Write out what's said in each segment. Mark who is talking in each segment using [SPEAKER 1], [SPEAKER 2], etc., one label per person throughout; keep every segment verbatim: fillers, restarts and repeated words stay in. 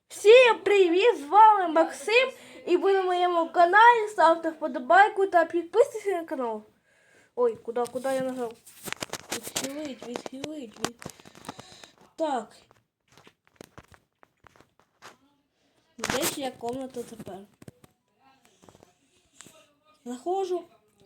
[SPEAKER 1] Всім привіт! З вами Максим і ви на моєму каналі. Ставте вподобайку та підписуйтесь на канал. Ой, куди, куди я нажав? Відхилить, відхилить, від... Так. Де ж я комната тепер? Заходжу.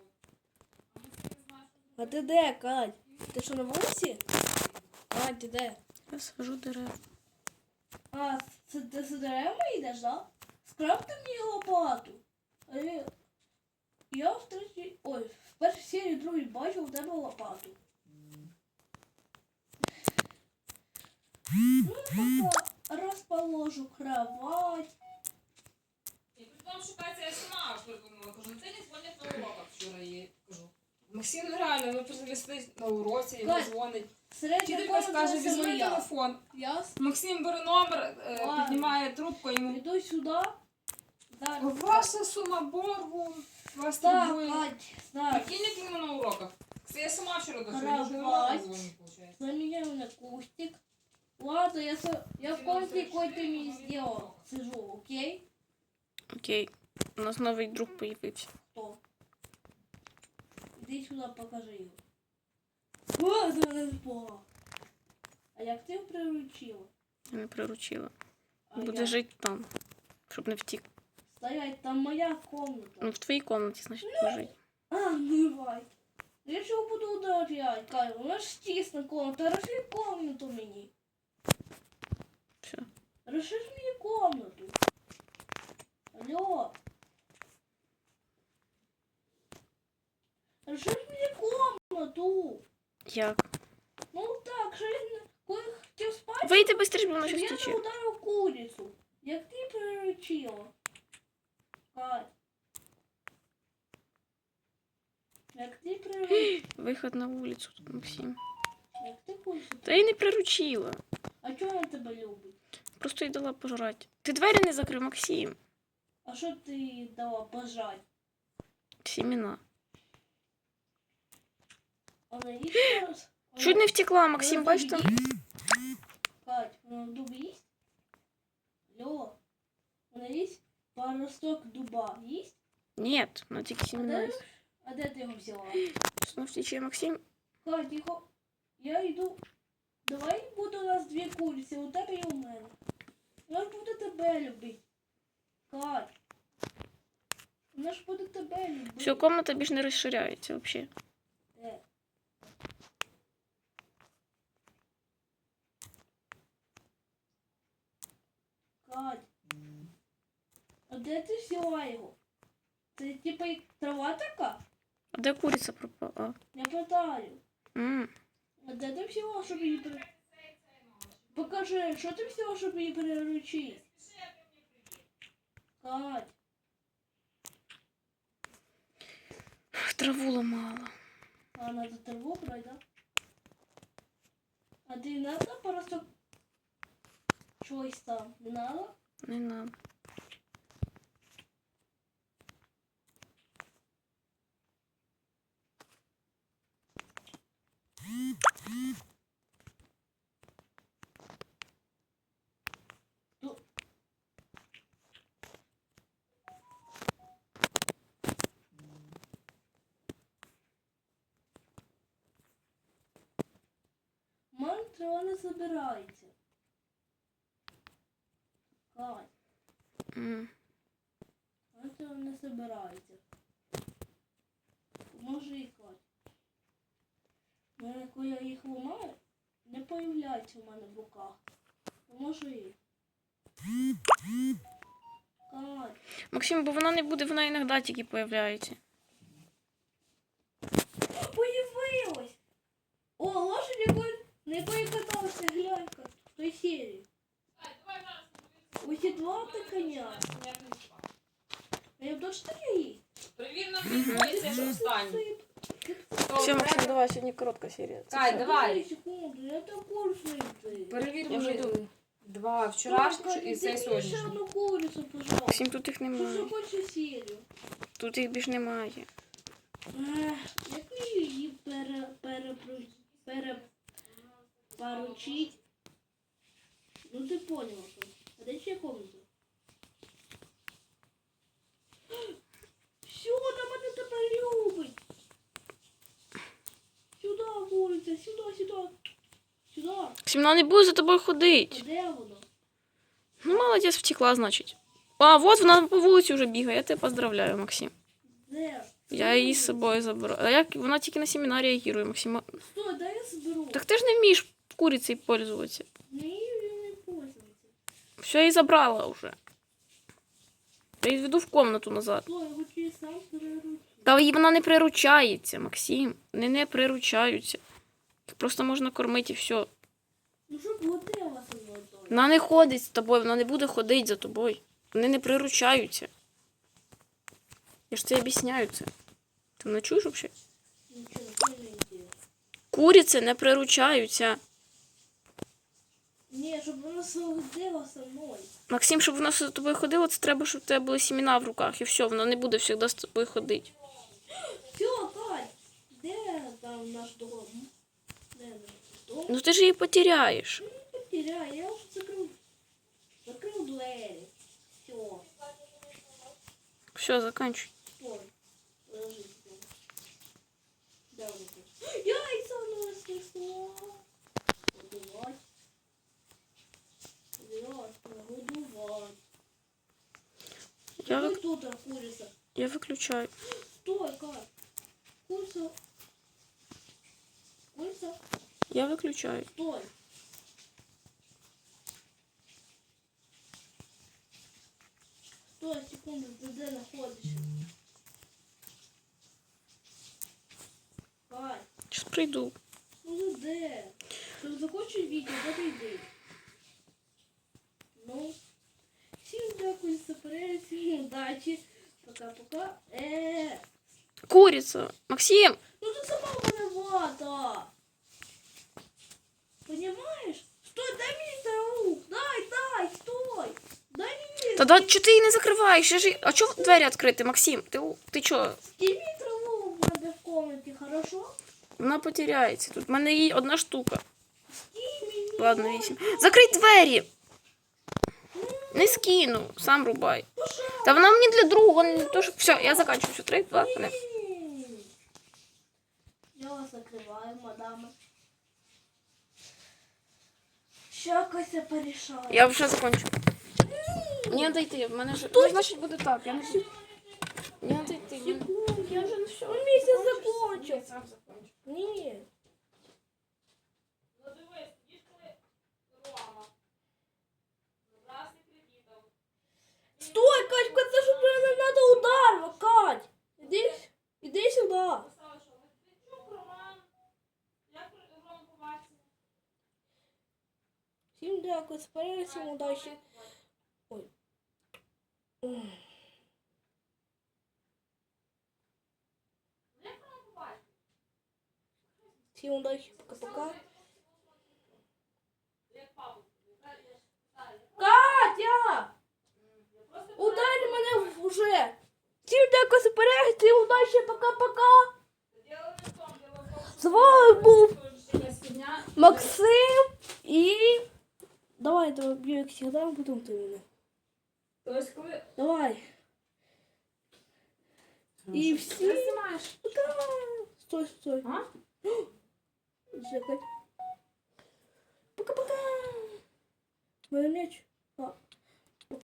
[SPEAKER 1] А ти де, Кать? Ти що, на вулиці? Кать, ти де?
[SPEAKER 2] Я сажу дерева.
[SPEAKER 1] А, це ти за деревами йдеш, да? Скрафти мені лопату. А я, я в третій... Ой, в першій серії другій бачив у тебе лопату. Ну, поки розположу кровать.
[SPEAKER 3] І потім шукати я сама придумала. Кажу, це не дзвонять на уроках вчора їй. Кажу. Максим, ну реально, ми просто сидить на уроці, йому
[SPEAKER 1] Кать,
[SPEAKER 3] дзвонить.
[SPEAKER 1] Середня
[SPEAKER 3] Вчителька скаже,
[SPEAKER 1] комната це
[SPEAKER 3] візьми
[SPEAKER 1] моя.
[SPEAKER 3] телефон.
[SPEAKER 1] Ясно?
[SPEAKER 3] Максим бере номер, е,
[SPEAKER 1] Ладно.
[SPEAKER 3] піднімає трубку, йому.
[SPEAKER 1] Іду сюди. Зараз.
[SPEAKER 3] Ваша сума боргу, вас
[SPEAKER 1] Так,
[SPEAKER 3] турбує.
[SPEAKER 1] Кать, так.
[SPEAKER 3] Прикинь, як йому на уроках. Це я сама вчора до цього,
[SPEAKER 1] Кровать.
[SPEAKER 3] вже на уроках дзвоню, виходить.
[SPEAKER 1] Заменяю на кустик. Ладно, я, со... я в комнате какой-то не сделал. Сижу, окей?
[SPEAKER 2] Окей. У нас новий друг появився.
[SPEAKER 1] Кто? Иди сюда, покажи его. О, это не спала. А як ти його приручила?
[SPEAKER 2] Я не приручила.
[SPEAKER 1] А
[SPEAKER 2] Буде
[SPEAKER 1] я?
[SPEAKER 2] жити там, щоб не втік.
[SPEAKER 1] Стоять, там моя комната.
[SPEAKER 2] Ну, в твоїй кімнаті, значить, буде жити.
[SPEAKER 1] А, ну давай. Я чого буду ударять, Кайла? У нас ж тісна комната. Розширь комнату мені.
[SPEAKER 2] Все.
[SPEAKER 1] Розширь мені комнату. Алло. Розширь мені комнату.
[SPEAKER 2] Як?
[SPEAKER 1] Ну так, що я не- коли хотів спати,
[SPEAKER 2] Вийди швидше, бо вона
[SPEAKER 1] щоб
[SPEAKER 2] щось
[SPEAKER 1] я
[SPEAKER 2] тече.
[SPEAKER 1] не ударив курицю. Як ти приручила? Кать. Як ти приручила?
[SPEAKER 2] Виход на вулицю тут, Максим.
[SPEAKER 1] Як ти курицю?
[SPEAKER 2] Та я не приручила.
[SPEAKER 1] А чого вона тебе любить?
[SPEAKER 2] Просто їй дала пожрати. Ти двері не закрив, Максим.
[SPEAKER 1] А що ти їй дала пожать?
[SPEAKER 2] Сімена.
[SPEAKER 1] Вона їсть зараз?
[SPEAKER 2] Чуть не втекла, Максим, бачиш там?
[SPEAKER 1] Кать, вона дуб їсть? Алло. Вона їсть паросток дуба їсть?
[SPEAKER 2] Ні, вона тільки
[SPEAKER 1] А
[SPEAKER 2] сімена.
[SPEAKER 1] де,
[SPEAKER 2] їсть.
[SPEAKER 1] а де ти його взяла?
[SPEAKER 2] Знову втече, Максим.
[SPEAKER 1] Кать, тихо. Я йду. Давай буде у нас дві куриці, у тебе і у мене. Вона ж буде тебе любити. Кать. Вона ж буде тебе любити.
[SPEAKER 2] Все, кімната більш не розширяється взагалі.
[SPEAKER 1] Е. Кать. А де ти взяла його? Це типа як трава така?
[SPEAKER 2] А де куриця пропала?
[SPEAKER 1] Я питаю.
[SPEAKER 2] М.
[SPEAKER 1] А де ти взяла, щоб її при... Покажи, що ти взяла, щоб її приручити? Кать.
[SPEAKER 2] Траву ламала.
[SPEAKER 1] А, надо траву брать, да? А ты надо просто чогось там? Не надо?
[SPEAKER 2] Не надо.
[SPEAKER 1] Ту... Мам, трава не забирається. Кать,
[SPEAKER 2] М.
[SPEAKER 1] мам, трава не забирається. Поможи, Кать. У мене, коли я їх ламаю, не появляється в мене в руках. Поможи. Кать.
[SPEAKER 2] Максим, бо вона не буде, вона іноді тільки появляється.
[SPEAKER 1] Появилась! О, лошадь, якої, на якої каталася глянька в той серії. Осідла та коня. А я точно не їсть?
[SPEAKER 3] Привір на приколі, це ж останній.
[SPEAKER 2] Все, Максим, давай, сьогодні коротка серія. Це
[SPEAKER 3] Кай,
[SPEAKER 2] все.
[SPEAKER 3] давай.
[SPEAKER 1] Секунду, я також знайти.
[SPEAKER 3] Перевір
[SPEAKER 2] Я вже
[SPEAKER 3] мені
[SPEAKER 2] йду.
[SPEAKER 3] два вчорашніх і цей
[SPEAKER 1] Ще
[SPEAKER 3] сьогоднішній.
[SPEAKER 1] одну курицю, пожалуйста.
[SPEAKER 2] Максим, тут їх
[SPEAKER 1] Що
[SPEAKER 2] немає.
[SPEAKER 1] захоче серію?
[SPEAKER 2] Тут їх більш немає.
[SPEAKER 1] Ех, як мені її пере, пере, пере, поручить? Ну ти поняла, що? А де ще комната? Все, там мене тепер любить. Сюди, вулиця, сюди, сюди. Сюди.
[SPEAKER 2] Максим, вона не буде за тобою ходити.
[SPEAKER 1] А де воно?
[SPEAKER 2] Ну, молодець, втекла, значить. А, от вона по вулиці вже бігає. Я тебе поздравляю, Максим.
[SPEAKER 1] Де?
[SPEAKER 2] Я її з собою заберу. А як вона тільки на семінарі реагує, Максим?
[SPEAKER 1] Стой, дай я зберу.
[SPEAKER 2] Так ти ж не вмієш курицею пользуватися.
[SPEAKER 1] Не, я не пользуюся.
[SPEAKER 2] Все, я її забрала вже. Я її веду в комнату назад.
[SPEAKER 1] Стой, я хочу її сам переручити.
[SPEAKER 2] Та їй вона не приручається, Максим. Вони не приручаються. Їх просто можна кормити і все.
[SPEAKER 1] Ну що ходила со мною той?
[SPEAKER 2] Вона не ходить з тобою, вона не буде ходити за тобою. Вони не приручаються. Я ж це об'ясняю це. Ти мене чуєш взагалі?
[SPEAKER 1] Нічого, це не йде.
[SPEAKER 2] Куриці не приручаються.
[SPEAKER 1] Ні, щоб вона ходила со мною.
[SPEAKER 2] Максим, щоб вона за тобою ходила, це треба, щоб у тебе були сімена в руках. І все, вона не буде завжди з тобою ходити.
[SPEAKER 1] Все, Кать, де там наш дом? Де наш дом?
[SPEAKER 2] Ну ти ж її потеряєш.
[SPEAKER 1] Потеряй, я уже закрыл. Закрыл двери. Все.
[SPEAKER 2] Все, заканчуй.
[SPEAKER 1] Стой. Подожди. Да, вот так. Яйца она снесла. Подувать. Подувать. Подувать.
[SPEAKER 2] Я,
[SPEAKER 1] Ну
[SPEAKER 2] вик...
[SPEAKER 1] кто там курица?
[SPEAKER 2] я виключаю.
[SPEAKER 1] Стой, как? Курица. Курица.
[SPEAKER 2] Я виключаю.
[SPEAKER 1] Стой. Стой, секунду, ты где находишься? Кать,
[SPEAKER 2] Зараз прийду.
[SPEAKER 1] ну ты где? Ты захочешь видео, да ты иди. Ну, всем дякую за перегляд, всем удачи. Пока-пока. Э,
[SPEAKER 2] Куриця. Максим!
[SPEAKER 1] ну ты сама виновата. Понимаешь? Стой, дай мне траву. Дай, дай, стой. Дай мне.
[SPEAKER 2] Та да, чого ти її не закриваєш? Я ж... А чого двері відкриті, Максим? Ти, у- ти чого?
[SPEAKER 1] Сними траву у меня в комнате, хорошо?
[SPEAKER 2] Вона потеряється. Тут в мене її одна штука.
[SPEAKER 1] Сними.
[SPEAKER 2] Ладно, вісім. Закрий двері! Не скину, сам рубай. Та вона мені для другого, не для того, щоб... Все, я заканчиваю. Все, три, два, один.
[SPEAKER 1] Я вас закрываю, мадама. Ща Кася порішає.
[SPEAKER 2] Я вже закончу. Мені треба йти, в мене ж... Ну, значить, буде так. Я не... Мені треба йти. в мене-
[SPEAKER 1] Секунду, я вже все. Он місяць закончив.
[SPEAKER 3] Сам закончу.
[SPEAKER 1] Ні.
[SPEAKER 3] Ну дивись, їж коли Рома. Забрався кредитом.
[SPEAKER 1] Стой, Катька, це ж нам надо удар, Кать. Іди, іди сюди.
[SPEAKER 3] Поставив, що Медведчук, Роман. Як Рома побачив?
[SPEAKER 1] Всім дякую, спасибо, всім удачі. Ой. Ой.
[SPEAKER 3] Як Рома побачив?
[SPEAKER 1] Всім удачі, пока-пока.
[SPEAKER 3] Як папу.
[SPEAKER 1] Катя! Ударь мене вже. Всім дякую за перегляд, всім удачі, пока-пока.
[SPEAKER 3] Діло не в тому, діло в тому, що
[SPEAKER 1] З вами був
[SPEAKER 3] якась фігня.
[SPEAKER 1] Максим і... Давай, давай, б'ю як завжди, а потім ти мене.
[SPEAKER 3] Тобто, коли...
[SPEAKER 1] Давай. І всі...
[SPEAKER 3] Ти знімаєш?
[SPEAKER 1] Пока. Стой, стой.
[SPEAKER 3] А?
[SPEAKER 1] Чекай. Пока-пока. Мене м'яч. А.